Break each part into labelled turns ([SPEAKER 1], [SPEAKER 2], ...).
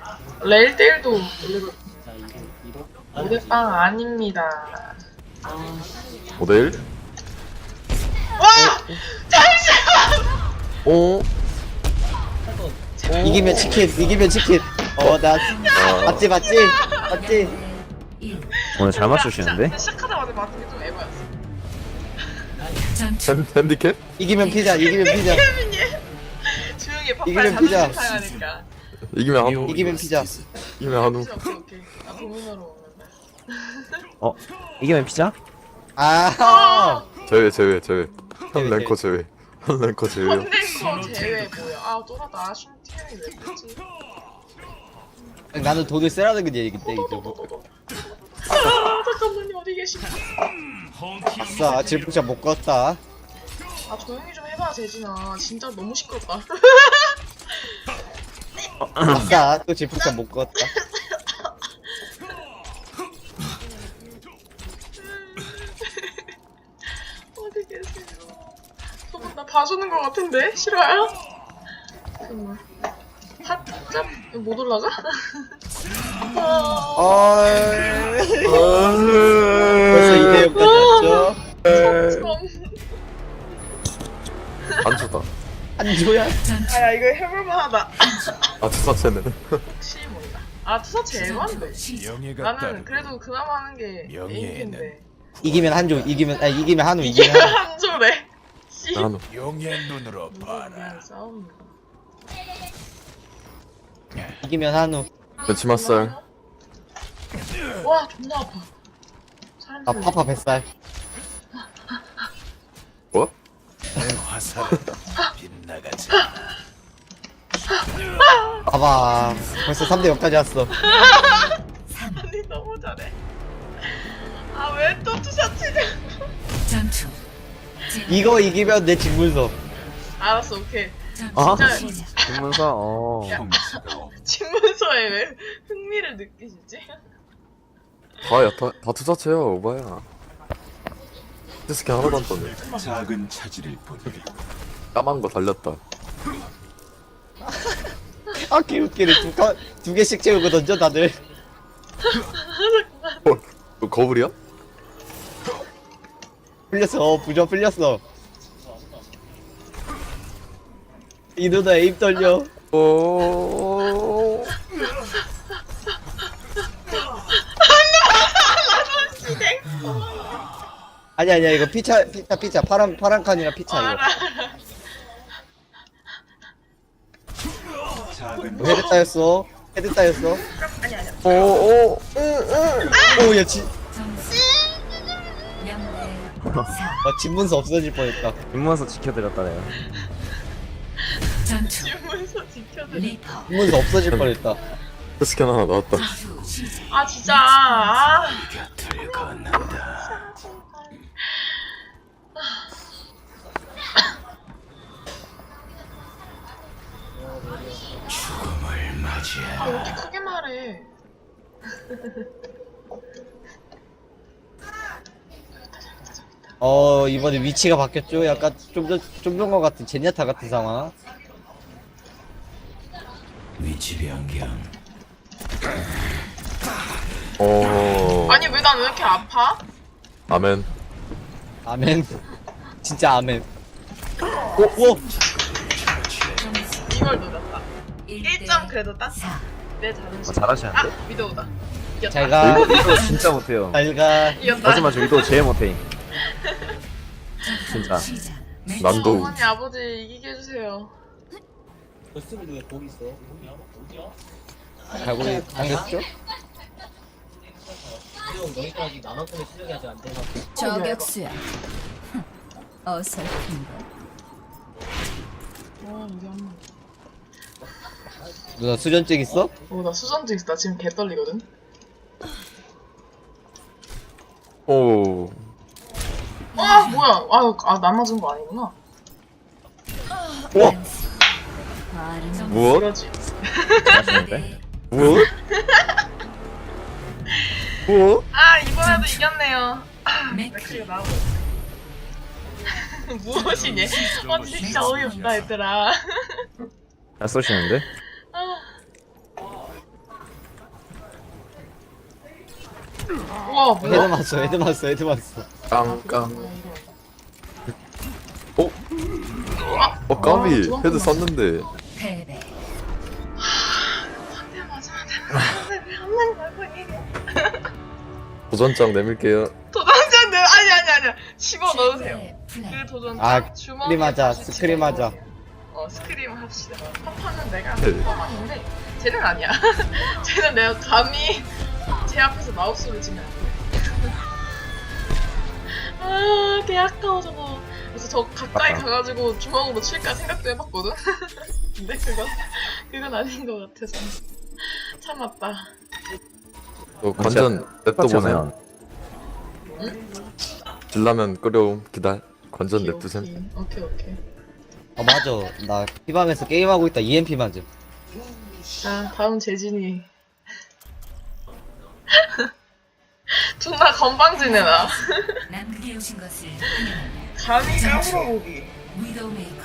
[SPEAKER 1] 레일대일도 올리고 5대빵 아닙니다.
[SPEAKER 2] 5대1?
[SPEAKER 1] 와! 잠시만!
[SPEAKER 2] 오?
[SPEAKER 3] 이기면 치킨. 나 맞지.
[SPEAKER 4] 오늘 잘 맞추시는데?
[SPEAKER 1] 시작하자마자 맞은 게 좀 에바였어.
[SPEAKER 2] 핸디캡?
[SPEAKER 3] 이기면 피자.
[SPEAKER 1] 케빈이 조용히
[SPEAKER 3] 이기면
[SPEAKER 1] 파파이
[SPEAKER 3] 피자.
[SPEAKER 1] 자존심 상하니까.
[SPEAKER 2] 이기면 한우.
[SPEAKER 3] 이기면 피자.
[SPEAKER 2] 이기면 한우.
[SPEAKER 1] 오케이. 나 고민으로 먹는다.
[SPEAKER 4] 어? 이기면 피자?
[SPEAKER 3] 아.
[SPEAKER 2] 제외. 한
[SPEAKER 3] 제외.
[SPEAKER 2] 랭커 제외. 한 랭커 제외요.
[SPEAKER 1] 헌랭커 제외 뭐야? 아 쫄았다. 슈팅이 왜 그랬지?
[SPEAKER 3] 나는 돈을 쓰라는 거지 이때 이제.
[SPEAKER 1] 아 잠깐만요. 어디 계시나?
[SPEAKER 3] 아싸 질풍차 못 껐다.
[SPEAKER 1] 아 조용히 좀 해봐 재진아. 진짜 너무 시끄럽다.
[SPEAKER 3] 아싸 또 질풍차 못 껐다.
[SPEAKER 1] 어디 계세요? 저분 나 봐주는 것 같은데? 싫어요? 잠깐만. 탑잡 못 올라가?
[SPEAKER 3] 벌써 2대0까지 왔죠.
[SPEAKER 2] 안 좋다.
[SPEAKER 3] 안 줘야.
[SPEAKER 1] 아야 이거 해볼만하다.
[SPEAKER 2] 아, 투사체는.
[SPEAKER 1] 혹시 뭔가? 아 투사체 에반데.
[SPEAKER 5] 명예가
[SPEAKER 1] 나는
[SPEAKER 5] 따르고
[SPEAKER 1] 그래도 그나마 하는 게
[SPEAKER 5] 명예에는
[SPEAKER 1] 에임인데.
[SPEAKER 3] 이기면 한조. 이기면 한우.
[SPEAKER 1] 이게 한 조래. 씨.
[SPEAKER 2] 한우.
[SPEAKER 5] 용의 눈으로 봐라.
[SPEAKER 1] 그냥 싸움.
[SPEAKER 3] 이기면 한우.
[SPEAKER 2] 멸치맛살.
[SPEAKER 1] 와 존나 아파. 사람
[SPEAKER 3] 아 파파 뱃살.
[SPEAKER 2] 뭐?
[SPEAKER 5] 화살은 빗나가지.
[SPEAKER 3] 봐봐. 벌써 3대0까지 왔어.
[SPEAKER 1] 아니 너무 잘해. 아 왜 또 투샷치냐?
[SPEAKER 3] 이거 이기면 내 직문서.
[SPEAKER 1] 알았어 오케이.
[SPEAKER 4] 아?
[SPEAKER 1] 진짜
[SPEAKER 4] 신문서
[SPEAKER 1] 친문서에 왜 흥미를 느끼시지?
[SPEAKER 2] 다 투사체야, 오바야. 스킨 하나도 안 떴네.
[SPEAKER 5] 작은 차지를 보니
[SPEAKER 2] 까만 거 달렸다.
[SPEAKER 3] 아 개웃기네. 두 개씩 채우고 던져 다들.
[SPEAKER 2] 너 거울이야?
[SPEAKER 3] 풀렸어. 부조 풀렸어. 이 누나 에임 떨려.
[SPEAKER 2] 오.
[SPEAKER 3] 아니야 이거 피차 파란 칸이랑 피차 이거.
[SPEAKER 5] 작은
[SPEAKER 3] 헤드 따였어.
[SPEAKER 1] 아니 아니야.
[SPEAKER 3] 오야 집문서 없어질 뻔했다.
[SPEAKER 4] 신문서 지켜드렸다 내가.
[SPEAKER 1] 친문서 지켜드리.
[SPEAKER 3] 집문서 없어질 뻔했다.
[SPEAKER 2] 스킨 하나 나왔다.
[SPEAKER 1] 아 진짜. 아.
[SPEAKER 5] 곁을 걷는다. 죽음을 맞이해.
[SPEAKER 1] 아, 왜 이렇게 크게 말해?
[SPEAKER 3] 이번에 위치가 바뀌었죠. 약간 좀 전과 같은 제냐타 같은 상황.
[SPEAKER 5] 위치 변경.
[SPEAKER 1] 아니 왜 난 왜 이렇게 아파?
[SPEAKER 2] 아멘.
[SPEAKER 3] 아멘. 진짜 아멘. 오.
[SPEAKER 1] 이걸 노렸다. 1점 그래도 땄어. 내 자존심.
[SPEAKER 4] 잘하시는데?
[SPEAKER 1] 아 위도우다. 이겼다.
[SPEAKER 3] 잘가.
[SPEAKER 4] 위도 진짜 못해요.
[SPEAKER 3] 잘가.
[SPEAKER 1] 이겼다.
[SPEAKER 4] 하지만 저 위도 제일 못해. 진짜.
[SPEAKER 2] 난도.
[SPEAKER 1] 어머니 아버지 이기게 해주세요.
[SPEAKER 3] 갈고리 당겼죠?
[SPEAKER 6] 저격수야. 어설픈가.
[SPEAKER 1] 우리 엄마.
[SPEAKER 3] 누나 수전증 있어?
[SPEAKER 1] 나 수전증 있어. 나 지금 개 떨리거든.
[SPEAKER 2] 오.
[SPEAKER 1] 아 뭐야? 나 맞은 거 아니구나.
[SPEAKER 2] 우와.
[SPEAKER 6] 발음
[SPEAKER 2] 무엇?
[SPEAKER 1] 그러지.
[SPEAKER 4] 잘하시는데?
[SPEAKER 2] 무엇? 무엇?
[SPEAKER 1] 아 이번에도 이겼네요. 맥크리가 나오고. 무엇이니? 진짜 어이없다 얘들아.
[SPEAKER 4] 잘 쏘시는데?
[SPEAKER 1] 우와
[SPEAKER 3] 헤드
[SPEAKER 1] 뭐야?
[SPEAKER 3] 맞어 헤드 맞어 헤드 맞어.
[SPEAKER 2] 깡깡. 어? 까비. 헤드 썼는데.
[SPEAKER 6] 패배.
[SPEAKER 1] 상대 맞으면 되는 왜한 마리 말고 이게?
[SPEAKER 2] 도전장 내밀게요.
[SPEAKER 1] 도전장 아니야 집어 넣으세요.
[SPEAKER 6] 플레이.
[SPEAKER 1] 그 도전장
[SPEAKER 3] 아
[SPEAKER 1] 주머니에
[SPEAKER 3] 스크림 하자
[SPEAKER 1] 다시
[SPEAKER 3] 스크림 하자.
[SPEAKER 1] 스크림 합시다. 파파는 내가
[SPEAKER 2] 네.
[SPEAKER 1] 뽑았는데 쟤는 아니야. 쟤는 내가 감히 제 앞에서 마우스를 치면 안 돼. 아, 개 아까워 저거. 그래서 저 가까이 가가지고 주먹으로 칠까 생각도 해봤거든. 근데 그건 아닌 것 같아서 참았다.
[SPEAKER 2] 관전 냅둬보세요.
[SPEAKER 4] 하면
[SPEAKER 2] 질라면 끓여옴. 기다려. 관전 냅두셈.
[SPEAKER 1] 오케이.
[SPEAKER 3] 아 맞아 나 피방에서 게임하고 있다 EMP 맞음.
[SPEAKER 1] 자, 다음 재진이. 존나 건방지네 나.
[SPEAKER 6] 남극에 오신 것을 환영합니다.
[SPEAKER 1] 감히 까불어보기.
[SPEAKER 6] 위도우 메이커.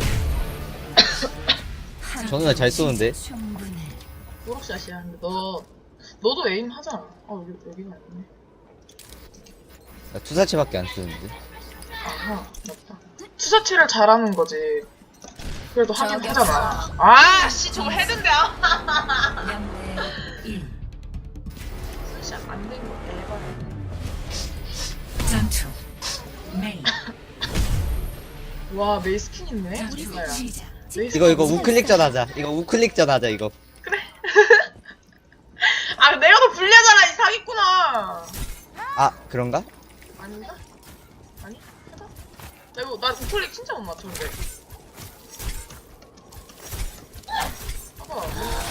[SPEAKER 3] 저는 왜 잘 쏘는데?
[SPEAKER 6] 충분해.
[SPEAKER 1] 초록샷이야. 근데 너도 에임 하잖아. 여기가 아니네.
[SPEAKER 3] 나 투사체밖에 안 쓰는데.
[SPEAKER 1] 아하, 맞다. 투사체를 잘하는 거지. 그래도 하긴
[SPEAKER 6] 저격수.
[SPEAKER 1] 하잖아. 아, 씨, 저거 헤드인데. 아.
[SPEAKER 6] 0대 1.
[SPEAKER 1] 투샷 안된 거 대박이네.
[SPEAKER 6] 전투. 메인.
[SPEAKER 1] 와, 메이 스킨 있네.
[SPEAKER 6] 전투
[SPEAKER 1] 진짜야.
[SPEAKER 6] 시작.
[SPEAKER 1] 메이
[SPEAKER 3] 이거
[SPEAKER 1] 스킨
[SPEAKER 3] 우클릭전 하자. 이거 우클릭전 하자 이거.
[SPEAKER 1] 아, 내가 더 불리하잖아, 이 사기꾼아.
[SPEAKER 3] 아 그런가?
[SPEAKER 1] 아닌가? 아니? 해봐. 나 우클릭 진짜 못 맞췄는데. 봐봐.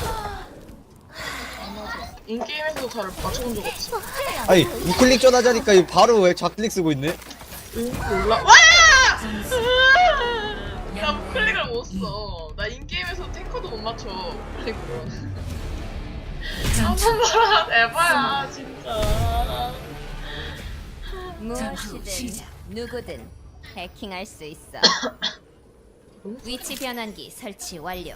[SPEAKER 1] 안 맞아. 인게임에서도 잘 맞춰본 적 없어.
[SPEAKER 3] 아니 우클릭전 하자니까 이거 바로 왜 좌클릭 쓰고 있네?
[SPEAKER 1] 응? 몰라. 와! 나 우클릭을 못 써. 나 인게임에서 탱커도 못 맞춰. 우클릭으로. 한번 봐라. 에바야, 진짜.
[SPEAKER 6] 전투 시작.
[SPEAKER 7] 누구든 해킹할 수 있어. 위치 변환기 설치 완료.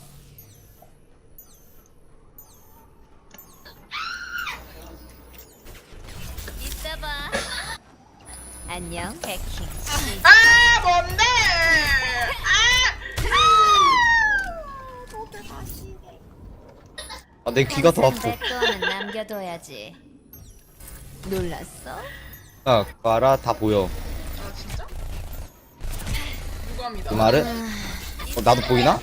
[SPEAKER 7] 있어봐. 안녕 해킹.
[SPEAKER 1] 아, 뭔데?
[SPEAKER 3] 아 내 귀가 더 아프.
[SPEAKER 7] 내 거는 남겨둬야지. 놀랐어?
[SPEAKER 3] 아 봐라 다 보여.
[SPEAKER 1] 아, 진짜? 유감이다.
[SPEAKER 3] 그 말은? 나도 보이나?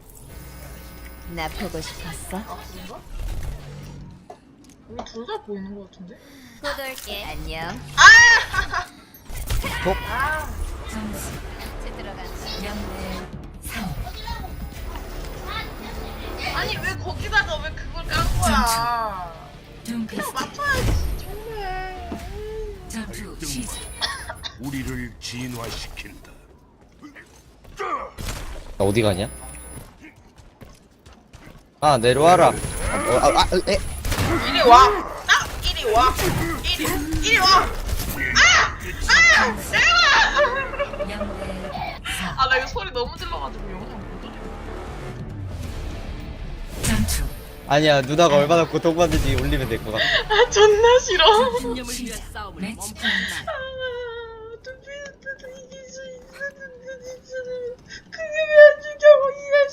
[SPEAKER 7] 나 보고 싶었어.
[SPEAKER 1] 아, 그런가? 우리 둘 다 보이는 것 같은데?
[SPEAKER 7] 꼬돌게. 안녕.
[SPEAKER 6] 점수
[SPEAKER 7] 이제 들어간다.
[SPEAKER 6] 0대 3.
[SPEAKER 1] 아니, 왜 거기다가 왜 그걸 깐 거야?
[SPEAKER 6] 둠피스트.
[SPEAKER 1] 맞춰야지, 정말.
[SPEAKER 6] 전투 시작.
[SPEAKER 5] 우리를 진화시킨다.
[SPEAKER 3] 나 어디 가냐? 아 내려와라. 에?
[SPEAKER 1] 이리 와. 이리 와. 이리 와. 내려와.
[SPEAKER 6] 0대 4.
[SPEAKER 1] 아, 나 이거 소리 너무 질러가지고 영상 못 올려.
[SPEAKER 6] 전투
[SPEAKER 3] 아니야 누나가 얼마나 고통받는지 올리면 될 것 같아.
[SPEAKER 1] 아, 존나 싫어.
[SPEAKER 6] 시작. 매치 포인트.
[SPEAKER 1] 두피스트도 이길 수 있었는데 진짜로 그게 왜 안 죽여 이해할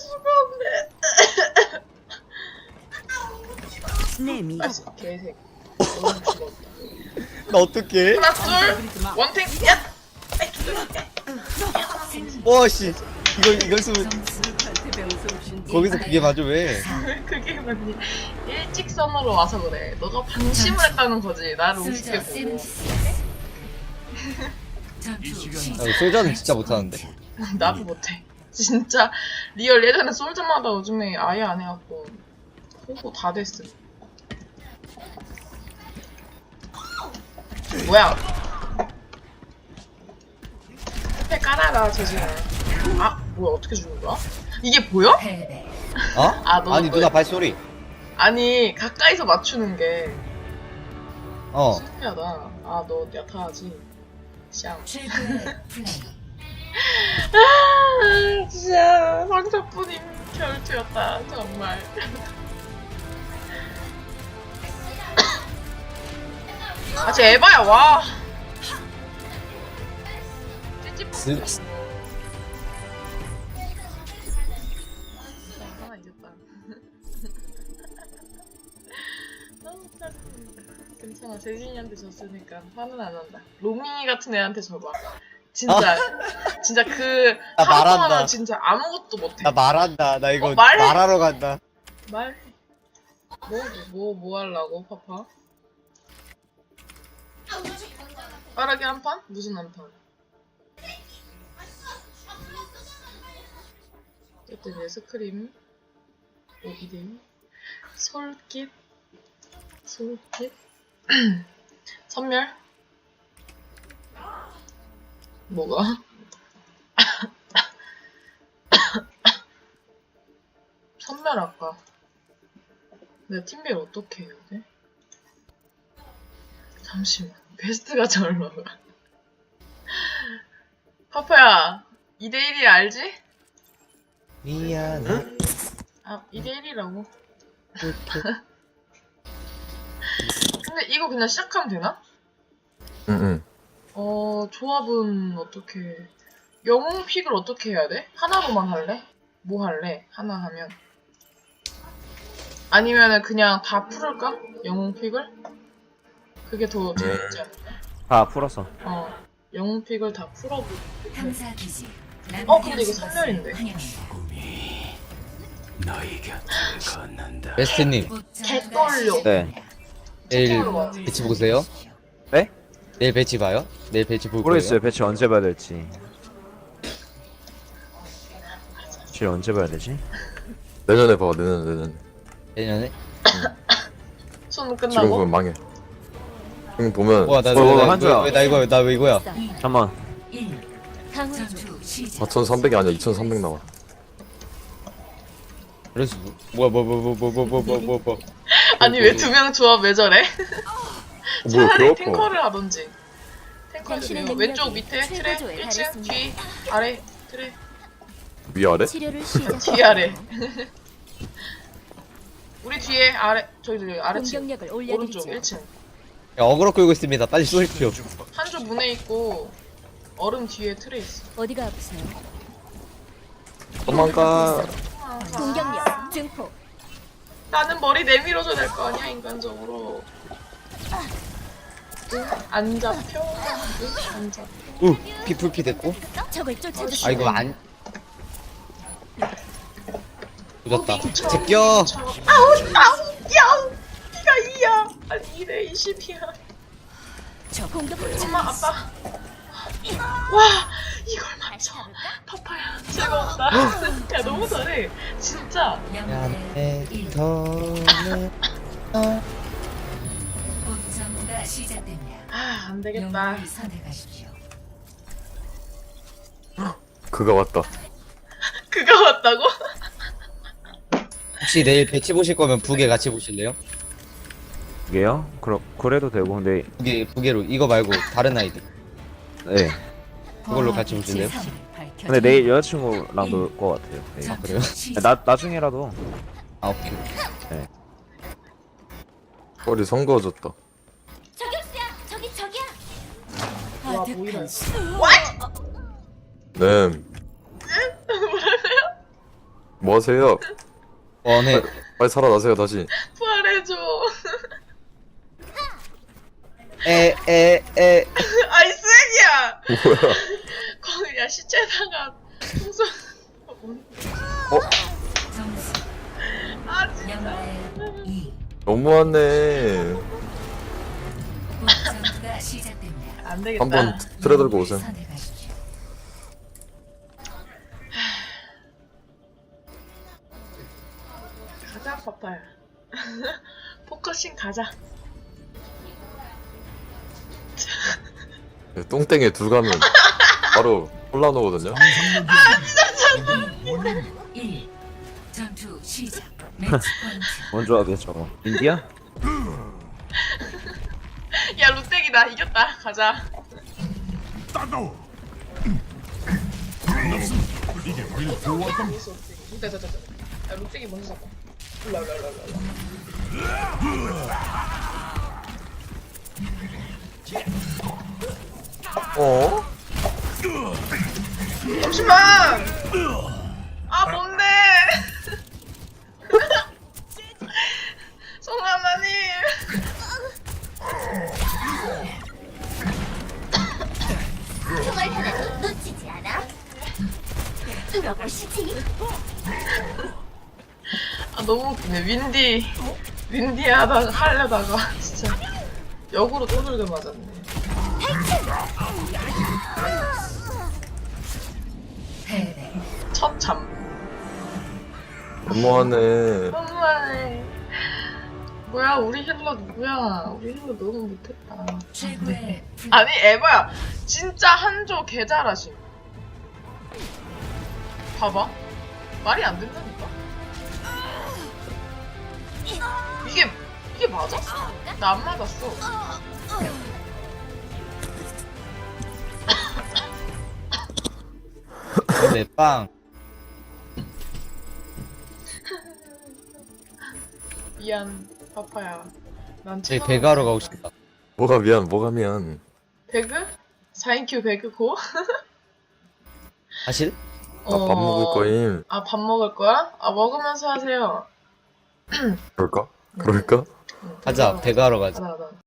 [SPEAKER 1] 수가 없네. 아, 개새끼. 너무 죽었다.
[SPEAKER 3] 나 어떡해?
[SPEAKER 1] 하나 둘 원탱 야.
[SPEAKER 3] 와씨 이걸 쓰면 거기서 그게 맞아 왜?
[SPEAKER 1] 그게 뭐니 일직선으로 와서 그래. 너가 방심을 했다는 거지. 나를 우습게
[SPEAKER 6] 솔저
[SPEAKER 1] 보고.
[SPEAKER 6] 76. 전투 시작.
[SPEAKER 3] 솔저는 진짜 못하는데.
[SPEAKER 1] 나도 못해. 진짜 리얼 예전에 솔저마다 요즘에 아예 안 해갖고 홍보 다 됐어. 뭐야? 스펙 깔아라 재진아. 아 뭐야 어떻게 주는 거야? 이게 보여?
[SPEAKER 6] 패배.
[SPEAKER 3] 어?
[SPEAKER 1] 아, 너
[SPEAKER 3] 아니 누나 발소리.
[SPEAKER 1] 아니 가까이서 맞추는 게
[SPEAKER 3] 어.
[SPEAKER 1] 신기하다. 아 너 야타하지. 샹.
[SPEAKER 6] 최고의 플레이.
[SPEAKER 1] 아 진짜 상처뿐인 결투였다 정말. 아, 쟤 에바야, 와. 찌찌
[SPEAKER 3] 스-
[SPEAKER 1] 하나 이겼다. 너무 짜증나. 괜찮아, 재진이한테 졌으니까 화는 안 난다. 로밍이 같은 애한테 져봐. 진짜, 진짜 그
[SPEAKER 3] 나
[SPEAKER 1] 하루
[SPEAKER 3] 말한다.
[SPEAKER 1] 동안은 진짜 아무것도 못해.
[SPEAKER 3] 나 말한다. 나 이거
[SPEAKER 1] 말해.
[SPEAKER 3] 말하러 간다.
[SPEAKER 1] 말해. 뭐 하려고, 파파? 빠르게 한 판? 무슨 한 판? 어쨌든 예스크림, 오기림, 솔깃, 선멸? 뭐가? 선멸 아까 내 팀별 어떻게 해야 돼? 잠시만 베스트가 잘 나가 파파야 2대1이 알지?
[SPEAKER 3] 미안해.
[SPEAKER 1] 아 2대1이라고 근데 이거 그냥 시작하면 되나?
[SPEAKER 2] 응응.
[SPEAKER 1] 조합은 어떻게 영웅 픽을 어떻게 해야 돼? 하나로만 할래? 뭐 할래? 하나 하면 아니면은 그냥 다 풀을까? 영웅 픽을? 그게 더 재밌지 않을까?
[SPEAKER 2] 다 풀었어.
[SPEAKER 1] 영웅 픽을 다 풀어보고
[SPEAKER 6] 탐사 기지.
[SPEAKER 1] 근데 이거 선멸인데.
[SPEAKER 3] 베스트님
[SPEAKER 1] 개떨려
[SPEAKER 2] 네.
[SPEAKER 3] 내일
[SPEAKER 1] 채팅으로 와.
[SPEAKER 3] 배치 보세요.
[SPEAKER 2] 네?
[SPEAKER 3] 내일 배치 봐요? 내일 배치 볼
[SPEAKER 2] 모르겠어요.
[SPEAKER 3] 거예요.
[SPEAKER 2] 배치 언제 봐야 될지. 배치 언제 봐야 되지?
[SPEAKER 8] 내년에 봐, 내년.
[SPEAKER 3] 내년에?
[SPEAKER 1] 수능
[SPEAKER 8] 지금
[SPEAKER 1] 끝나고
[SPEAKER 8] 보면 망해. 지금 보면
[SPEAKER 3] 와, 나
[SPEAKER 2] 한주야.
[SPEAKER 3] 왜 이거야?
[SPEAKER 2] 잠만.
[SPEAKER 6] 1. 전투 시작.
[SPEAKER 8] 4,300이 아니야, 2,300 나와.
[SPEAKER 3] 그래서 뭐.
[SPEAKER 1] 아니 왜 두 명 조합 왜 저래?
[SPEAKER 8] 뭐야,
[SPEAKER 1] 차라리
[SPEAKER 8] 배 아파.
[SPEAKER 1] 탱커를 하던지 탱커
[SPEAKER 7] 당신의
[SPEAKER 1] 해주세요.
[SPEAKER 7] 능력이
[SPEAKER 1] 왼쪽 밑에 트레
[SPEAKER 7] 최고조에
[SPEAKER 1] 1층
[SPEAKER 7] 달했습니다.
[SPEAKER 1] 뒤 아래 트레
[SPEAKER 8] 위아래?
[SPEAKER 7] 치료를 시작.
[SPEAKER 1] 뒤 아래 우리 뒤에 아래 저기 아래층
[SPEAKER 7] 공격력을
[SPEAKER 1] 오른쪽
[SPEAKER 7] 올려드리죠.
[SPEAKER 1] 1층
[SPEAKER 3] 야, 어그로 끌고 있습니다. 빨리 쏘십시오.
[SPEAKER 1] 한조 문에 있고 얼음 뒤에 트레 있어
[SPEAKER 7] 어디가 아프세요?
[SPEAKER 8] 도망가.
[SPEAKER 7] 공격력 증폭.
[SPEAKER 1] 나는 머리 내밀어줘야 될 거 아니야 인간적으로 응? 안 잡혀? 응? 안 잡혀?
[SPEAKER 3] 피풀피 됐고.
[SPEAKER 7] 적을 쫓아주시오.
[SPEAKER 3] 아, 이거 안. 조졌다. 제껴!
[SPEAKER 1] 야우! 피가 2야 아니 2대 20이야
[SPEAKER 7] 저 공격
[SPEAKER 1] 엄마 아빠 와 이걸 맞춰 파파야 즐거웠다 야 너무 잘해 진짜
[SPEAKER 3] 미안해,
[SPEAKER 6] 1.
[SPEAKER 3] 더는.
[SPEAKER 6] 본전가 시작됩니다.
[SPEAKER 1] 아 안되겠다
[SPEAKER 6] 영웅을 선택하십시오.
[SPEAKER 8] 그가 왔다.
[SPEAKER 1] 그거 맞다고?
[SPEAKER 3] 혹시 내일 배치 보실 거면 부계 같이 보실래요?
[SPEAKER 2] 이게요? 그래도 되고 근데
[SPEAKER 3] 부계로 이거 말고 다른 아이디
[SPEAKER 2] 네.
[SPEAKER 3] 그걸로 같이 보실래요?
[SPEAKER 2] 근데 내일 여자친구랑 놀 것 같아요. 네.
[SPEAKER 3] 아, 그래요?
[SPEAKER 2] 나중에라도.
[SPEAKER 3] 아, 오케이.
[SPEAKER 8] 허리 성거워졌다.
[SPEAKER 7] 저격수야. 저기야.
[SPEAKER 1] 와 보이라
[SPEAKER 8] 네. 뭐 하세요?
[SPEAKER 3] 원해.
[SPEAKER 8] 빨리 살아나세요, 다시.
[SPEAKER 1] 부활해줘
[SPEAKER 3] 에.
[SPEAKER 1] 아이 쓰레기야
[SPEAKER 8] 뭐야?
[SPEAKER 1] 거기 야 시체다가 풍선
[SPEAKER 6] 점수
[SPEAKER 1] 아 진짜
[SPEAKER 6] 0대 2.
[SPEAKER 8] 너무하네.
[SPEAKER 6] 본전가 시작됩니다.
[SPEAKER 1] 안되겠다
[SPEAKER 8] 한번 틀어 들고 오세요.
[SPEAKER 6] 선택하십시오.
[SPEAKER 1] 가자 파파야 포커싱 가자
[SPEAKER 8] 똥땡에 둘 가면 바로 혼란 오거든요.
[SPEAKER 6] 1. 전투 시작. 매치 포인트.
[SPEAKER 2] 먼저 하겠죠. 인디야?
[SPEAKER 1] 야 롯데기다 이겼다 가자 야 롯데기 먼저 잡아 일로 와.
[SPEAKER 8] 어?
[SPEAKER 1] 잠시만! 아, 뭔데? 송하나님!
[SPEAKER 7] 정말 하나도 놓치지 않아. 들어보시지.
[SPEAKER 1] 아, 너무 웃기네. 윈디 하려다가, 진짜. 역으로 또들게 맞았네.
[SPEAKER 6] 패배.
[SPEAKER 1] 첫 잠.
[SPEAKER 8] 너무하네.
[SPEAKER 1] 너무하네. 뭐야, 우리 힐러 누구야? 우리 힐러 너무 못했다.
[SPEAKER 6] 최고의
[SPEAKER 1] 아니, 에바야. 진짜 한조 개 잘하심. 봐봐. 말이 안 된다니까? 이게 맞아? 나 안 맞았어.
[SPEAKER 3] 네, 빵.
[SPEAKER 1] 미안, 파파야. 난
[SPEAKER 3] 저희
[SPEAKER 1] 최강.
[SPEAKER 3] 배가로 가고 싶다.
[SPEAKER 8] 뭐가 미안, 뭐가 미안.
[SPEAKER 1] 배그? 4인큐 배그 고?
[SPEAKER 3] 사실?
[SPEAKER 8] 나 밥 먹을 거임.
[SPEAKER 1] 아, 밥 먹을 거야? 아, 먹으면서 하세요.
[SPEAKER 8] 그럴까? 그럴까?
[SPEAKER 3] 가자, 배가로 가자.
[SPEAKER 1] 가자, 가자.